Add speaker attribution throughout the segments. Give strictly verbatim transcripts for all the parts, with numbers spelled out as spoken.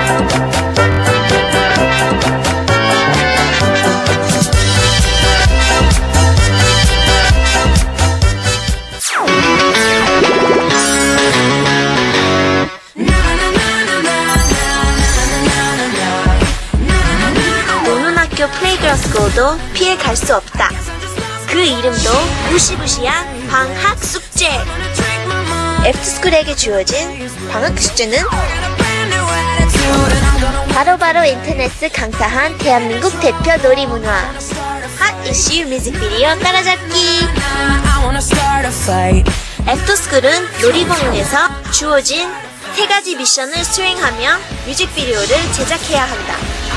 Speaker 1: 플레이그라스고도 피해 갈 수 없다. 그 이름도 무시무시한 방학 숙제. 애프터스쿨에게 주어진 방학 숙제는 바로바로 바로 인터넷을 강타한 대한민국 대표 놀이문화 핫 이슈 뮤직비디오 따라잡기. 애프터스쿨은 놀이공원에서 주어진 세 가지 미션을 수행하며 뮤직비디오를 제작해야 한다.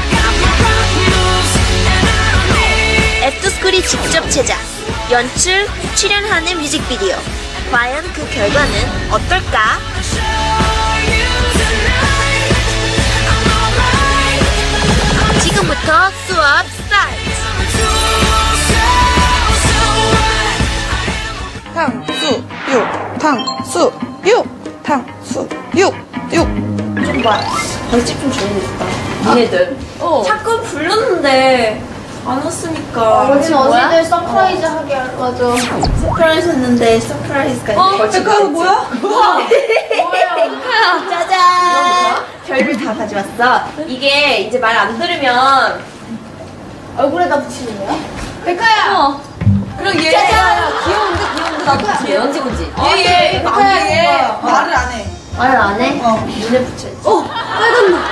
Speaker 1: 애프터스쿨이 직접 제작, 연출, 출연하는 뮤직비디오. 과연 그 결과는 어떨까? 지금부터 수업 스타트!
Speaker 2: 탕수육, 탕수육, 탕수육, 육.
Speaker 1: 좀 봐. 벌집 좀 줘야겠다. 니네들. 어. 자꾸 불렀는데 안 왔으니까.
Speaker 3: 우리는 어제들 서프라이즈 하게 할 맞아.
Speaker 1: 서프라이즈 했는데 서프라이즈가
Speaker 2: 어? 백화야 뭐야?
Speaker 1: 뭐야? 짜잔! 별을 다 가져왔어. 이게 이제 말 안 들으면
Speaker 3: 얼굴에다 붙이는 거야?
Speaker 2: 백화야!
Speaker 1: 어.
Speaker 2: 그럼 얘
Speaker 1: 짜잔!
Speaker 2: 귀여운데 귀여운데 나도 붙여.
Speaker 1: 언제 언제?
Speaker 2: 얘, 얘, 백화야 얘 말을 안 해.
Speaker 1: 말을 안 해?
Speaker 2: 어.
Speaker 1: 눈에 붙여야지.
Speaker 2: 어! 빨간 눈!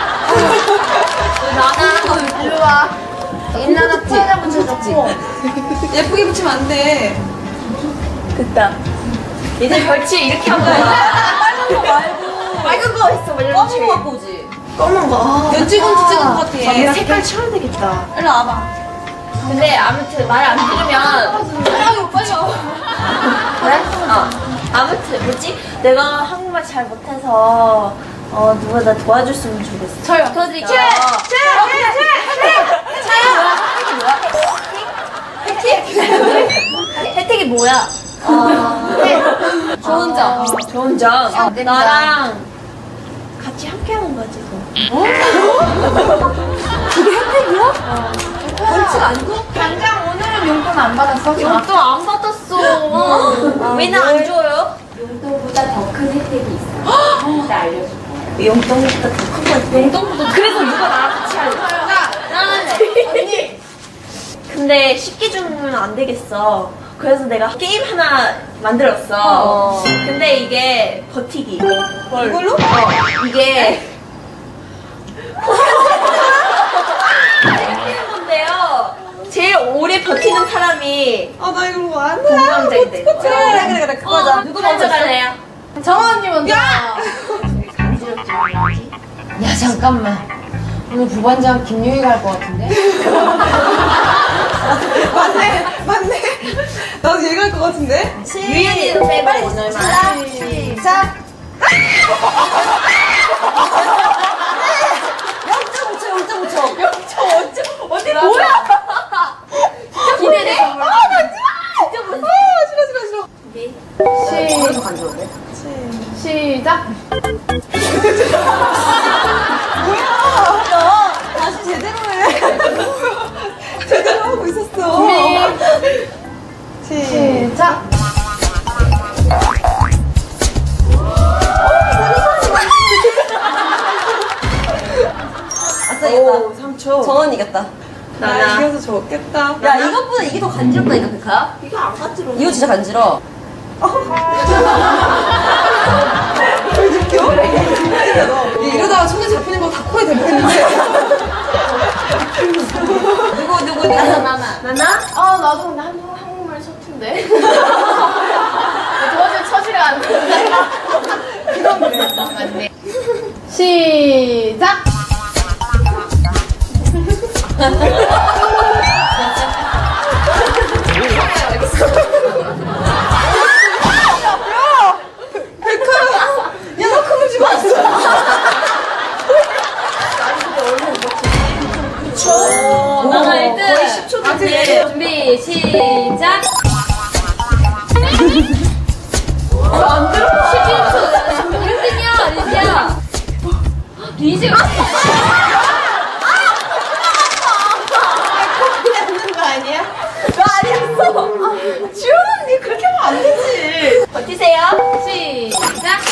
Speaker 1: 나는
Speaker 3: 일로 와. 옛날에 코에다 붙여줬지.
Speaker 2: 예쁘게 붙이면 안 돼.
Speaker 1: 됐다. 이제 별치 이렇게 한 거야. 빨간 거 말고. 빨간 거 했어. 검은 거 갖고 오지. 검은 거.
Speaker 2: 연지곤지 찍은 것 같아.
Speaker 1: 얘 색깔 쳐야 되겠다.
Speaker 2: 일로 와봐.
Speaker 1: 근데 아무튼 말 안 들으면.
Speaker 2: 빨리 와, 빨리 와.
Speaker 1: 그래? 어. 아무튼 뭐지? 내가 한국말 잘 못해서 어 누가 나 도와줬으면 좋겠어.
Speaker 3: 저요.
Speaker 1: 도와드릴게요.
Speaker 3: 제! 제! 제!
Speaker 1: 혜택이 뭐야? 혜택? 혜택이 뭐야? 어,
Speaker 3: 좋은 점.
Speaker 1: 좋은 점.
Speaker 3: 아,
Speaker 1: 나랑 같이 함께 하는 거지.
Speaker 2: 그게 혜택이야? 어. 벌칙 아니고?
Speaker 3: 당장 오늘은 용돈 안 받았어?
Speaker 1: 용돈 안 받았어. 왜 나 안 줘요?
Speaker 4: 용돈보다 더 큰 혜택이 있어. 이따 알려줄 거야.
Speaker 1: 용돈보다 더 큰 거 있어. 용돈보다. 그래서 누가 나랑 같이 할래? 나는 언니. 근데 쉽게 주면 안 되겠어. 그래서 내가 게임 하나 만들었어. 어. 근데 이게 버티기.
Speaker 2: 이걸로?
Speaker 1: 어, 이게 버티는 건데요. 제일 오래 버티는 사람이
Speaker 2: 아, 나 이거 뭐 안 해.
Speaker 1: 동감자이 돼.
Speaker 2: 그래, 그래, 그래, 그래. 그거자.
Speaker 1: 누구 먼저 갈래요?
Speaker 3: 정원 언니 먼저.
Speaker 2: 야!
Speaker 4: 야 잠깐만. 오늘 부반장 김유희가 할 것 같은데?
Speaker 2: 맞네, 맞네. 나도 얘가 할 것 같은데?
Speaker 1: 유연이 빼버리 오늘 말.
Speaker 2: 시작! 영점 오 초, 영점 오 초. 영점 오 초. 언니 뭐야?
Speaker 1: 기대돼.
Speaker 2: 아, 만지마! 진짜 만지마! 아, 싫어, 싫어, 싫어.
Speaker 3: 시, 시작.
Speaker 2: 뭐야? 나 다시 제대로 해. 제대로 하고 있었어.
Speaker 3: 시작.
Speaker 2: 아싸,
Speaker 1: 오, 삼 초.
Speaker 2: 정원 이겼다.
Speaker 1: 나나.
Speaker 2: 나 이겨서 좋겠다.
Speaker 4: 야 이것보다 이게 더 간지럽다니까 백화야?
Speaker 1: 이거 안 간지러워.
Speaker 4: 이거 진짜 간지러.
Speaker 2: 왜 느껴? 이러다가 손에 잡히는 거 다 코에 대보겠는데. 누구, 누구, 누구?
Speaker 4: 나나 나나.
Speaker 1: 나나?
Speaker 3: 아 나도 근데 한국 한국말 서툰데. 도저히 처지가 안 돼.
Speaker 2: 이건 그래.
Speaker 3: 맞네. 시작.
Speaker 2: 야, 너 그거 지고 왔어.
Speaker 1: 나나 일 등. 거의 십 초 됐네.
Speaker 4: 준비 시작.
Speaker 1: 안 들어.
Speaker 4: 십일 초. 일 등이야 아니야?
Speaker 3: 뒤집어.
Speaker 1: 하는 거 아니야? 너 아니었어. 지원 언니 그렇게 하면 안 되지. 버티세요.
Speaker 3: 시작.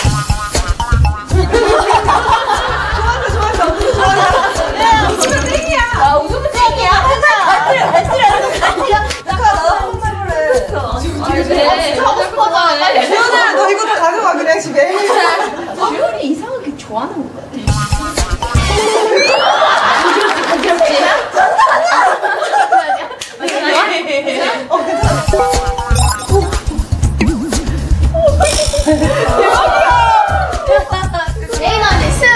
Speaker 2: 좋았어, 좋았어. 좋았어. 웃으면 땡이야.
Speaker 1: 아, 웃으면 땡이야. 하자. 잘 틀려, 잘 틀려, 잘 틀려.
Speaker 2: 잠깐, 나도 한번 해볼래.
Speaker 3: 네.
Speaker 1: 하고 싶어져.
Speaker 2: 지원아, 너 이거 다 가져가, 그냥 집에.
Speaker 1: 지원이 이상하게 좋아하는 거 같아.
Speaker 2: 어, 괜찮아.
Speaker 3: 레인 언니 스.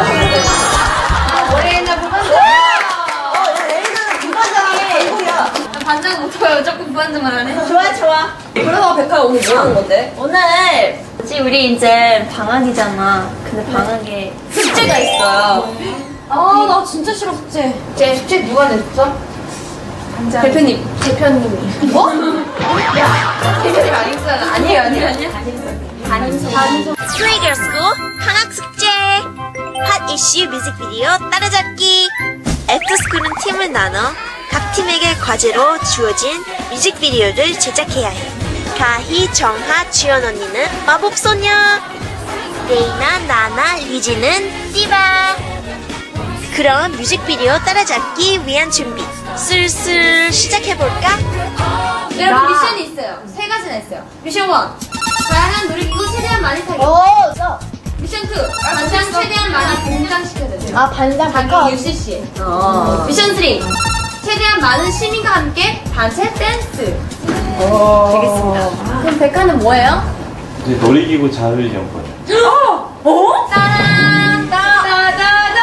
Speaker 3: 올해나 부반장.
Speaker 2: 레이는 부반장의 전공이야.
Speaker 3: 반장 못해요. 조금 부반장만 하네.
Speaker 1: 좋아, 좋아.
Speaker 2: 그래서 백화 오늘 뭐 하는 건데?
Speaker 1: 오늘 이제 우리 이제 방학이잖아. 근데 방학에 숙제가 있어요.
Speaker 3: 아, 나 진짜 싫어 숙제. 제 숙제 누가 냈어? 대표님. 대표님이. 뭐? 야, 대표님 아니었잖아. 아니에요, 아니에요, 아니에요.
Speaker 1: 담임소. 담임소. 스웨이걸스쿨 방학 숙제. 핫 이슈 뮤직비디오 따라잡기. 애프터스쿨은 팀을 나눠 각 팀에게 과제로 주어진 뮤직비디오를 제작해야 해. 가희, 정하, 주연 언니는 마법소녀. 레이나, 나나, 리지는 띠바. 그럼 뮤직비디오 따라잡기 위한 준비 슬슬 시작해볼까?
Speaker 3: 여러분 미션이 있어요. 세 가지나 있어요. 미션 일. 다양한 놀이기구 최대한 많이 타기.
Speaker 1: 오, 써.
Speaker 3: 미션 이. 반장 최대한 많이 등장시켜야 돼요.
Speaker 1: 아, 반장
Speaker 3: 자기 유씨씨.
Speaker 1: 어.
Speaker 3: 미션 삼. 최대한 많은 시민과 함께 단체 댄스.
Speaker 1: 되겠습니다.
Speaker 3: 그럼 백화는 뭐예요?
Speaker 5: 이제 놀이기구 자율 연구요.
Speaker 1: 어?
Speaker 3: 따란 따다다다.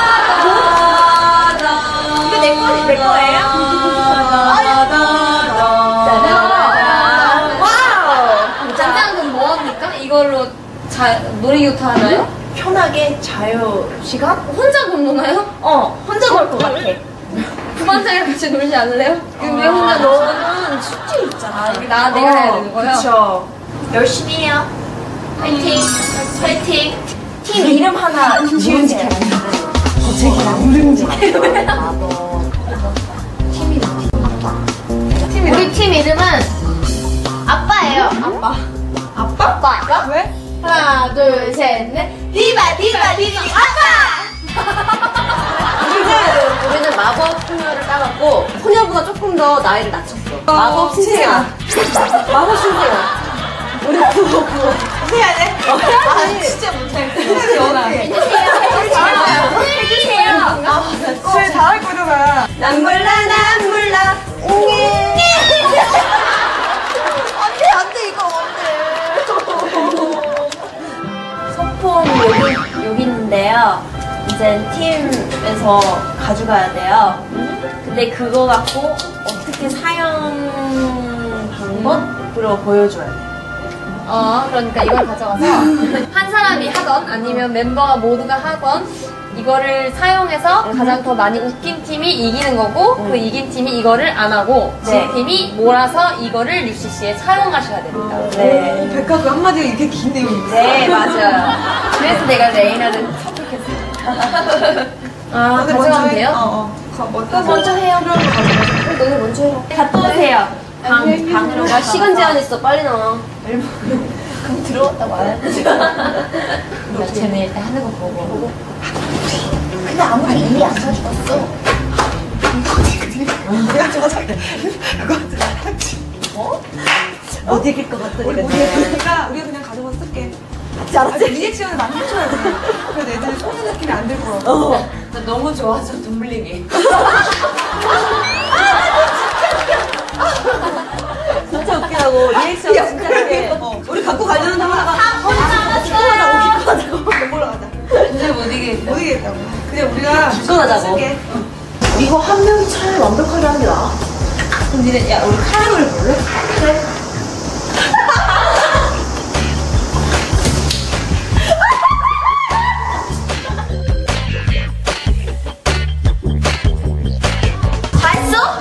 Speaker 1: 이거 내 거, 내 거예요? 와우!
Speaker 3: 반장은 뭐 합니까? 이걸로 자 놀이기구 타나요?
Speaker 1: 편하게 자유 시간?
Speaker 3: 혼자 놀나요?
Speaker 1: 어, 혼자 놀 것 같아.
Speaker 3: 부반장이랑 같이 놀지 않을래요? 왜 혼자 놀어?
Speaker 1: 너는 숙제 있잖아.
Speaker 3: 나 내가 해야 되는 거예요?
Speaker 1: 그쵸. 열심히 해요. 화이팅! 화이팅! 팀 이름 하나 지으세요.
Speaker 3: 우리 팀 이름은 아빠예요. 아빠.
Speaker 2: 아빠?
Speaker 3: 아빠.
Speaker 2: 왜?
Speaker 3: 하나, 둘, 셋, 넷.
Speaker 1: 디바, 디바, 디바, 아빠! 우리는, 우리는 마법 소녀를 따갔고, 소녀보다 조금 더 나이를 낮췄어. 마법 신생아. 마법 신생아. 우리 그거, 그거.
Speaker 2: 해야 돼?
Speaker 1: 아, 진짜 못하겠어. 해주세요. 해주세요.
Speaker 2: 쟤 잘할 거잖아.
Speaker 1: 난 몰라, 난 몰라. 옹이. 안 돼, 안 돼, 이거 안 돼. 소품 여기, 여기 있는데요. 이제 팀에서 가져가야 돼요. 근데 그거 갖고 어떻게 사용 방법으로 보여줘야 돼.
Speaker 3: 어, 그러니까 이걸 가져가서 한 사람이 하던 아니면 멤버가 모두가 하던 이거를 사용해서 가장 더 많이 웃긴 팀이 이기는 거고 그 이긴 팀이 이거를 안 하고 진
Speaker 1: 네.
Speaker 3: 팀이 몰아서 이거를 유씨씨에 사용하셔야 됩니다.
Speaker 1: 네.
Speaker 2: 백화 그 한마디가 이렇게 긴 내용이 있어.
Speaker 1: 네, 맞아요. 그래서 내가 레이나를 선택했어요.
Speaker 3: 아,
Speaker 2: 너네
Speaker 3: 가져가면
Speaker 2: 먼저 해.
Speaker 3: 돼요?
Speaker 2: 어, 어. 가, 먼저,
Speaker 1: 먼저 해요.
Speaker 2: 그럼
Speaker 3: 너네 먼저 해요.
Speaker 1: 갔다 오세요. 방, 방으로.
Speaker 3: 나
Speaker 1: 시간 제한 있어. 빨리 나와. 그럼 들어갔다 와야지.
Speaker 3: 나 쟤네 일단 하는 거 보고.
Speaker 1: 근데 아무리 이미 안 사주었어.
Speaker 2: 내가 좋아하게. 그거
Speaker 1: 어? 못 이길 것 같더니
Speaker 2: 우리 우리가 우리가 그냥 가져가서 쓸게. 아, 리액션을 많이 해줘야 돼. 그래서 애들이 속는 느낌이 안 들 거야.
Speaker 1: 어.
Speaker 3: 나 너무 좋아서 눈물 흘리게.
Speaker 1: 진짜 웃기다고. 리액션 진짜
Speaker 2: 그래.
Speaker 1: 웃겨.
Speaker 2: 어, 우리 갖고 가려는 하다가
Speaker 1: 하자.
Speaker 2: 기권하자고 기권하자고 놀러 가자.
Speaker 3: 진짜 못 이기겠다.
Speaker 2: 못 이기겠다고. 그냥 우리가
Speaker 1: 기권하자고.
Speaker 2: 쓸게.
Speaker 1: 이거 한 명이 차라리 완벽하게 하는 게 나아.
Speaker 2: 그럼 니네 야 우리 카라멜 볼래?
Speaker 1: 그래. 다 했어?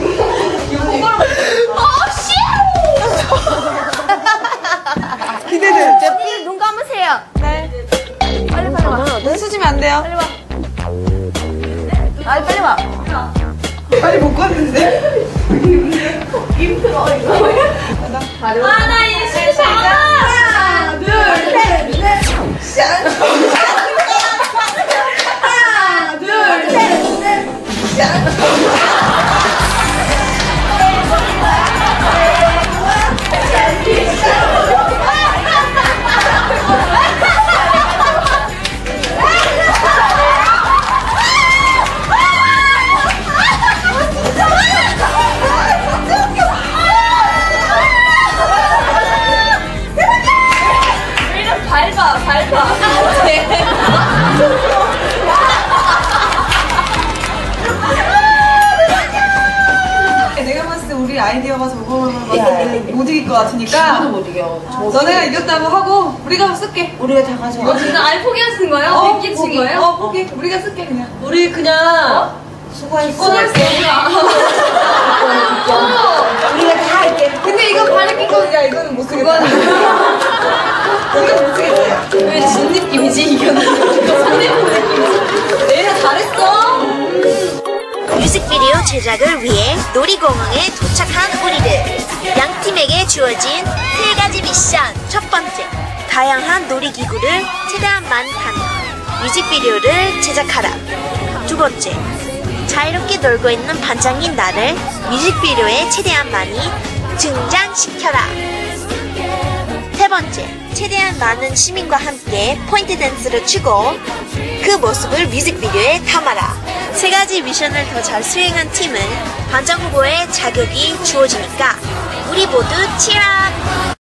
Speaker 2: 기대돼.
Speaker 1: 제피 눈 감으세요.
Speaker 2: 네.
Speaker 1: 빨리 빨리 와.
Speaker 2: 눈 수지면 안 돼요.
Speaker 1: 빨리 와. 아 빨리 와.
Speaker 2: 빨리 못 갔는데?
Speaker 1: 힘들어 이거. 하나 이십 하나 둘 셋 넷. 하나 둘 셋 넷. 밟아, 밟아.
Speaker 2: 내가 봤을 때 우리 아이디어가 저거만 봤을 때 못 이길 것 같으니까
Speaker 6: 못 이겨.
Speaker 2: 너네가 이겼다고 하고 우리가 쓸게.
Speaker 6: 우리가 다 가져가.
Speaker 3: 진짜 아예 포기하시는 거예요?
Speaker 2: 어,
Speaker 3: 믿기 친
Speaker 2: 포기.
Speaker 3: 거예요?
Speaker 2: 어, 포기. 우리가 쓸게 그냥.
Speaker 6: 우리 그냥 수고했어. 우리가 다 할게.
Speaker 2: 근데 이거 발에 끼고 야 이거는 못 쓰겠다. 이거 못 쓰겠다.
Speaker 3: 왜 진 느낌이지? 이거는 손해본 느낌이지? 내가 잘했어.
Speaker 7: 뮤직비디오 제작을 위해 놀이공원에 도착한 우리들. 양 팀에게 주어진 세 가지 미션. 첫 번째, 다양한 놀이기구를 최대한 많이 타며 뮤직비디오를 제작하라. 두 번째, 자유롭게 놀고 있는 반장인 나를 뮤직비디오에 최대한 많이 등장시켜라. 세 번째, 최대한 많은 시민과 함께 포인트 댄스를 추고 그 모습을 뮤직비디오에 담아라. 세 가지 미션을 더 잘 수행한 팀은 반장 후보의 자격이 주어지니까 우리 모두 치라!